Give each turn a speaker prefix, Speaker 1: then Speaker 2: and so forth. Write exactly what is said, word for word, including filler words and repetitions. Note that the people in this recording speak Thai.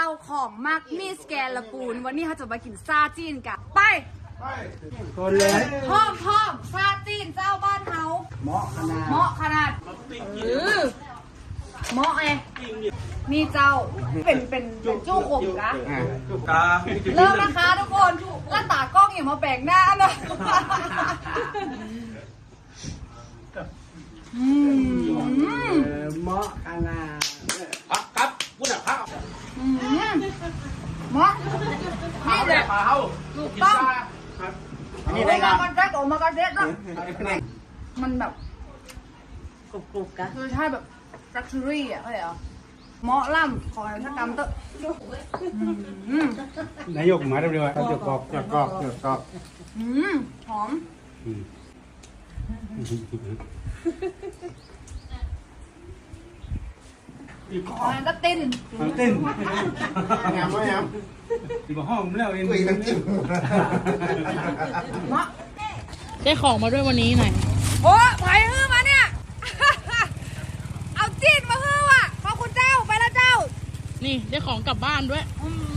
Speaker 1: ของมากมีสแกนละปูนวันนี้เขาจะมากินซาจีนกันไป
Speaker 2: คนเลย
Speaker 1: พร้อมพร้อมซาจีนเจ้าบ้านเฮา
Speaker 2: เหมาะขนาด
Speaker 1: เหมาะขนาดเออเหมาะไงนี่เจ้าเป็นเป็นเป็นจู้ขมกะ
Speaker 2: จุกกา
Speaker 1: เริ่มนะคะทุกคนแล้วตากล้องอย่ามาแปลกหน้านะอืม
Speaker 2: เหมาะขนาด
Speaker 3: พักครับพูดอ่ะพัก
Speaker 1: อืมเหมาะนี่แหละถูกต้องนี่ได้ครับมันแจ๊กออกมากระเด็ดนะมันแบบกรุบกรุบกะคือใช่แบบลักชัวรี่อ่ะเข้าใจเหรอเหมาะล่ำขอให้ทักกรรมเตอะ
Speaker 2: นายกมาเร็วๆเขาจะกรอกจะกรอกจะกรอก
Speaker 1: อืมหอมขอให้ก็ติ้น
Speaker 2: ติ้นงามไหมงามที่บ้ห้องแล้วเองคุยกันจิ้ม
Speaker 1: เหมาะ
Speaker 4: ได้ของมาด้วยวันนี้หน่อย
Speaker 1: โอ้ไผ่ฮื้อมาเนี่ยเอาจีนมาฮื้อว่ะขอบคุณเจ้าไปแล้วเจ้า
Speaker 4: นี่ได้ของกลับบ้านด้วย
Speaker 1: อืม